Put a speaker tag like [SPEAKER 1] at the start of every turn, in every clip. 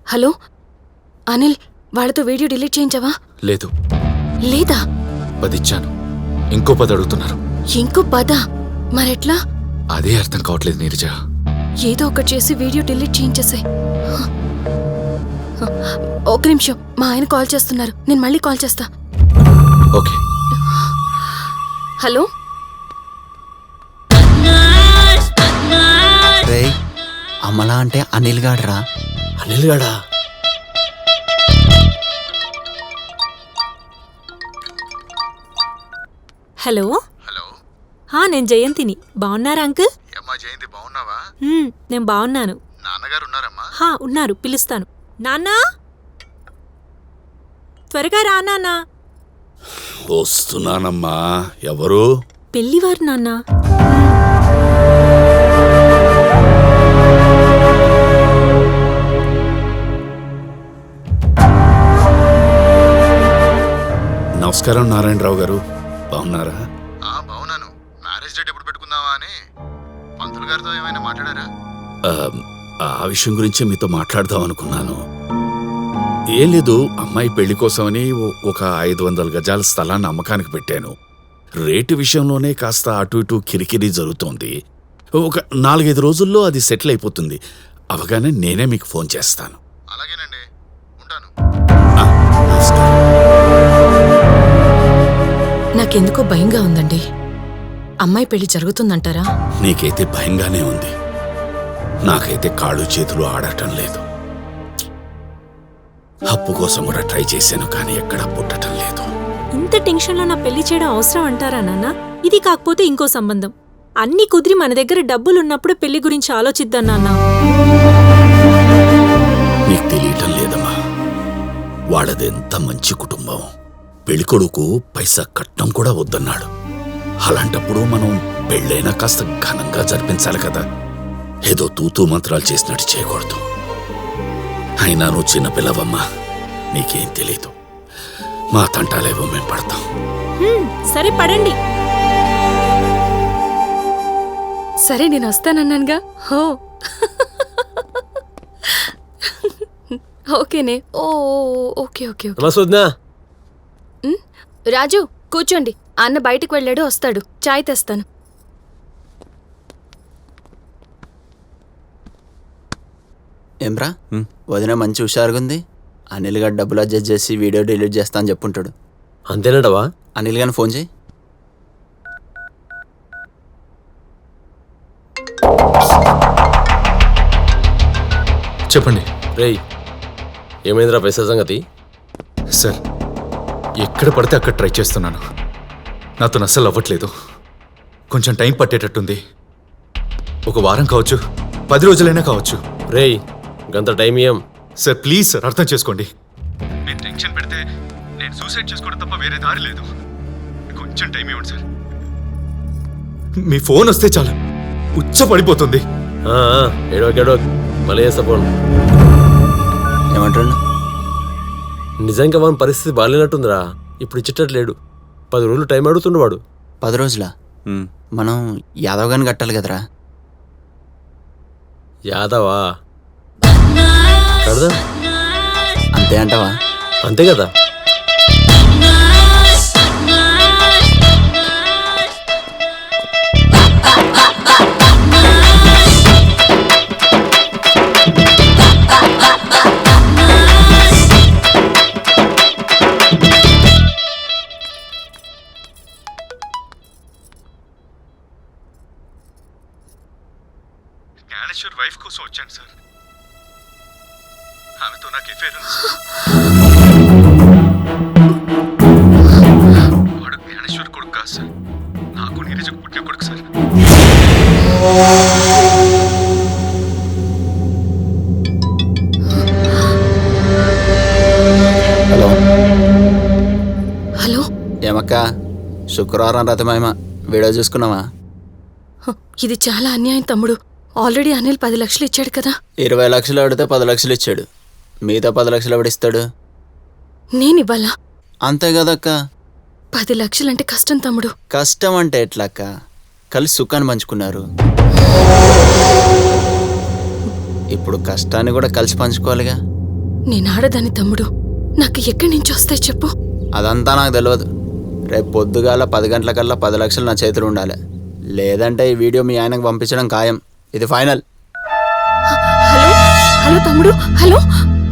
[SPEAKER 1] Hello Anil, వాళ్ళతో video delete చేయించావా?
[SPEAKER 2] లేదు.
[SPEAKER 1] లేదా?
[SPEAKER 2] 10 ఇచ్చాను, ఇంకో 10 అడుగుతున్నారు.
[SPEAKER 1] ఇంకో 10? మరెట్లా?
[SPEAKER 2] అదే అర్థం కావట్లేదు నీరజ.
[SPEAKER 1] ఏదో ఒకటి చేసి వీడియో డిలీట్ చేయించేసాయి. ఒక నిమిషం, మా ఆయన కాల్ చేస్తున్నారు, నేను మళ్ళీ కాల్ చేస్తా.
[SPEAKER 2] ఓకే.
[SPEAKER 1] హలో,
[SPEAKER 3] అమలా అంటే అనిల్ గాడ్రా.
[SPEAKER 4] అనిల్ గాడా?
[SPEAKER 5] హలో. నేను జయంతిని. బాగున్నారా అంకుల్?
[SPEAKER 2] జయంతి, బాగున్నావా?
[SPEAKER 5] నేను బాగున్నాను.
[SPEAKER 2] నాన్నగారు ఉన్నారమ్మా?
[SPEAKER 5] ఉన్నారు, పిలుస్తాను. నాన్నా, త్వరగా రా నాన్నా.
[SPEAKER 4] వస్తున్నానమ్మా. ఎవరు?
[SPEAKER 5] పెళ్లివారు నాన్నా.
[SPEAKER 4] నమస్కారం నారాయణరావు గారు, బాగున్నారా?
[SPEAKER 2] బాగున్నాను. మ్యారేజ్ డేట్ ఎప్పుడు పెట్టుకుందామా అని పంతులు గారితో ఏమైనా మాట్లాడారా?
[SPEAKER 4] ఆ విషయం గురించి మీతో మాట్లాడదాం అనుకున్నాను. ఏం లేదు, అమ్మాయి పెళ్లి కోసమని ఒక 500 గజాల స్థలాన్ని అమ్మకానికి పెట్టాను. రేటు విషయంలోనే కాస్త అటు ఇటు కిరికిరి జరుగుతోంది. ఒక 4-5 రోజుల్లో అది సెటిల్ అయిపోతుంది. అవగానే నేనే మీకు ఫోన్ చేస్తాను.
[SPEAKER 2] అలాగేనండి, ఉంటాను.
[SPEAKER 1] నాకెందుకో భయంగా ఉందండి. అమ్మాయి పెళ్లి జరుగుతుందంటారా?
[SPEAKER 4] నీకైతే భయంగానే ఉంది, నాకైతే కాళ్ళు చేతులు ఆడటం లేదు. అప్పు కోసం కూడా ట్రై చేశాను, కానీ ఎక్కడా పుట్టటం లేదు.
[SPEAKER 5] ఇంత టెన్షన్లో నా పెళ్లి చేయడం అవసరం అంటారా నాన్న? ఇది కాకపోతే ఇంకో సంబంధం. అన్నీ కుదిరి మన దగ్గర డబ్బులున్నప్పుడు పెళ్లి గురించి ఆలోచిద్దాం నాన్న.
[SPEAKER 4] నీకు తెలియటం లేదమ్మా, వాళ్ళదెంత మంచి కుటుంబం. పెళ్ళికొడుకు పైసా కట్నం కూడా వద్దన్నాడు. అలాంటప్పుడు మనం పెళ్ళైనా కాస్త ఘనంగా జరిపించాలి కదా. ఏదో తూతూ మంత్రాలు చేసినట్టు చేయకూడదు. అయినా నువ్వు చిన్నపిల్లవమ్మా, నీకేం తెలీదు. మా తంటాలేవో మేం పడతాం.
[SPEAKER 5] సరే, పడండి.
[SPEAKER 1] సరే, నేను వస్తానన్నానుగా. హో ఓకేనే. Okay okay okay. రాజు, కూర్చోండి. అన్న బయటికి వెళ్ళాడు, వస్తాడు. చాయ్ తెస్తాను.
[SPEAKER 3] ఏమ్రా, వదిన మంచి హుషారుగుంది. అనిల్ గారు డబ్బులు అడ్జస్ట్ చేసి వీడియో డిలీట్ చేస్తా అని చెప్పుంటాడు.
[SPEAKER 4] అంతేనటవా?
[SPEAKER 3] అనిల్ గారిని ఫోన్ చేయి.
[SPEAKER 2] చెప్పండి.
[SPEAKER 6] రేయ్, ఏమైందిరా పైసా సంగతి?
[SPEAKER 2] సార్, ఎక్కడ పడితే అక్కడ ట్రై చేస్తున్నాను, నాతో అస్సలు అవ్వట్లేదు. కొంచెం టైం పట్టేటట్టుంది. ఒక వారం కావచ్చు, 10 రోజులైనా కావచ్చు.
[SPEAKER 6] రేయ్, గంత టైం ఏం?
[SPEAKER 2] సార్ ప్లీజ్ సార్, అర్థం చేసుకోండి. మీరు టెన్షన్ పెడితే నేను సూసైడ్ చేసుకోవడం తప్ప వేరే దారి లేదు. కొంచెం టైం ఇవ్వండి సార్. మీ ఫోన్ వస్తే చాలు, ఉచ్చ పడిపోతుంది.
[SPEAKER 6] ఏడో మళ్ళీ చేస్తా ఫోన్.
[SPEAKER 3] ఏమంటాడు?
[SPEAKER 6] నిజంగా వాని పరిస్థితి బాగాలేనట్టుందిరా. ఇప్పుడు ఇచ్చేటట్లేడు. 10 రోజులు టైం అడుగుతుండు వాడు.
[SPEAKER 3] 10 రోజులా? మనం యాదవ్ గారిని కట్టాలి కదరా.
[SPEAKER 6] యాదవా? కడదా?
[SPEAKER 3] అంతే అంటావా?
[SPEAKER 6] అంతే కదా.
[SPEAKER 2] జ్ఞానేశ్వర్ వైఫ్ కోసం వచ్చాను సార్. ఆమెతో నాకు ఎఫైర్ ఉంది. వాడు జ్ఞానేశ్వర్ కొడుకు కాదు సార్, నాకు నీరజకు పుట్టిన కొడుకు సార్.
[SPEAKER 3] Hello
[SPEAKER 1] hello.
[SPEAKER 3] ఏమక్క, శుక్రవారం రథమేమ వీడియో చూసుకున్నావా?
[SPEAKER 1] ఇది చాలా అన్యాయం తమ్ముడు. ఆల్రెడీ అనిల్ 10 లక్షలు ఇచ్చాడు కదా.
[SPEAKER 3] 20 లక్షలు అడితే 10 లక్షలు ఇచ్చాడు. మిగతా 10 లక్షలు ఎవడిస్తాడు?
[SPEAKER 1] నేనివ్వాలా?
[SPEAKER 3] అంతే కదక్క.
[SPEAKER 1] 10 లక్షలంటే కష్టం తమ్ముడు.
[SPEAKER 3] కష్టం అంటే ఎట్లక్క? కలిసి సుఖాన్ని పంచుకున్నారు. ఇప్పుడు కష్టాన్ని కూడా కలిసి పంచుకోవాలిగా.
[SPEAKER 1] నేను ఆడదాని తమ్ముడు, నాకు ఎక్కడి నుంచి వస్తాయి చెప్పు.
[SPEAKER 3] అదంతా నాకు తెలియదు. రేపు పొద్దుగాల 10 గంటలకల్లా 10 లక్షలు నా చేతులు ఉండాలి. లేదంటే ఈ వీడియో మీ ఆయనకు పంపించడం ఖాయం. ఇది ఫైనల్.
[SPEAKER 1] హలో హలో తమ్ముడు, హలో.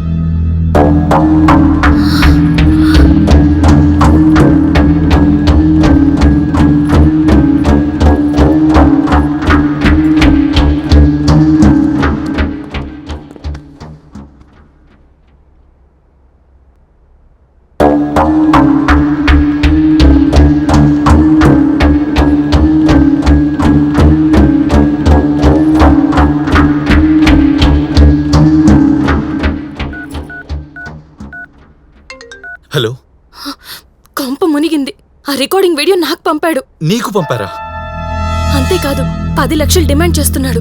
[SPEAKER 2] హలో,
[SPEAKER 1] కొంప మునిగింది. ఆ రికార్డింగ్ వీడియో నాకు పంపాడు.
[SPEAKER 2] నీకు పంపారా?
[SPEAKER 1] అంతేకాదు 10 లక్షలు డిమాండ్ చేస్తున్నాడు.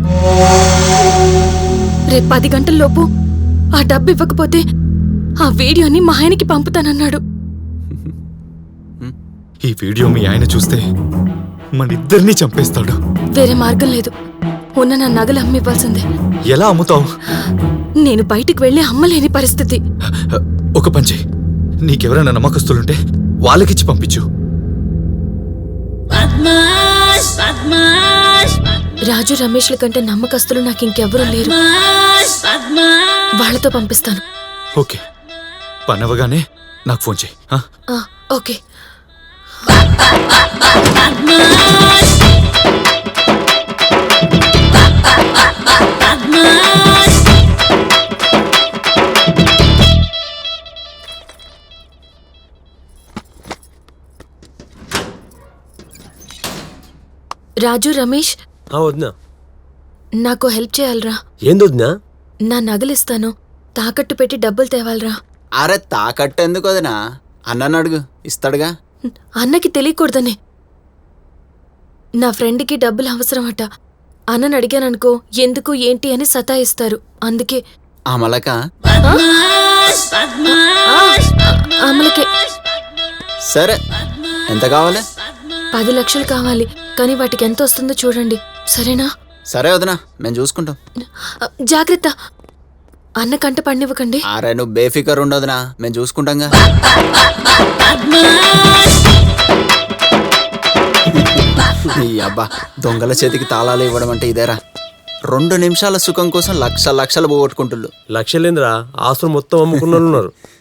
[SPEAKER 1] రేపు 10 గంటల్లోపు ఆ డబ్బు ఇవ్వకపోతే ఆ వీడియోని మా ఆయనకి పంపుతానన్నాడు.
[SPEAKER 2] ఈ వీడియో మీ ఆయన చూస్తే మనిద్దరినీ చంపేస్తాడు.
[SPEAKER 1] వేరే మార్గం లేదు. ఉన్న నా నగలు అమ్మివ్వాల్సిందే.
[SPEAKER 2] ఎలా అమ్ముతావు?
[SPEAKER 1] నేను బయటికి వెళ్ళి అమ్మలేని పరిస్థితి.
[SPEAKER 2] ఒక పని చెయ్యి, నీకెవరైనా నమ్మకస్తులుంటే వాళ్ళకిచ్చి పంపించు.
[SPEAKER 1] రాజు రమేష్ల కంటే నమ్మకస్తులు నాకు ఇంకెవ్వరూ లేరు. వాళ్ళతో పంపిస్తాను.
[SPEAKER 2] ఓకే, పని అవ్వగానే నాకు ఫోన్ చెయ్యి.
[SPEAKER 1] ఆ, ఓకే. రాజు రమేష్,
[SPEAKER 6] వదినా.
[SPEAKER 1] నాకు హెల్ప్ చేయాలరా.
[SPEAKER 6] ఏంది వదినా?
[SPEAKER 1] నా నగలిస్తాను, తాకట్టు పెట్టి డబ్బులు తేవాలరా.
[SPEAKER 3] అరే తాకట్టు ఎందుకు వదినా? అన్నను అడుగు, ఇస్తాడుగా.
[SPEAKER 1] అన్నకి తెలియకూడదనే. నా ఫ్రెండ్కి డబ్బులు అవసరమట. అన్నని అడిగాననుకో ఎందుకు ఏంటి అని సతాయిస్తారు. అందుకే.
[SPEAKER 3] అమలక
[SPEAKER 1] అమలకే.
[SPEAKER 3] సరే, ఎంత కావాలి?
[SPEAKER 1] 10 లక్షలు కావాలి, కానీ వాటికి ఎంత వస్తుందో చూడండి, సరేనా?
[SPEAKER 3] సరే వదినా, మేము చూసుకుంటాం.
[SPEAKER 1] జాగ్రత్త, అన్న కంట పడినివ్వకండి.
[SPEAKER 3] అరే నువ్వు బేఫికర్ ఉండదునా, మేము చూసుకుంటాంగా. ఈ అబ్బా, దొంగల చేతికి తాళాలు ఇవ్వడం అంటే ఇదేరా. 2 నిమిషాల సుఖం కోసం లక్షలు పోగొట్టుకుంటుళ్ళు.
[SPEAKER 6] లక్షలేంద్రా, ఆస్తులు మొత్తం అమ్ముకున్న వాళ్ళు ఉన్నారు.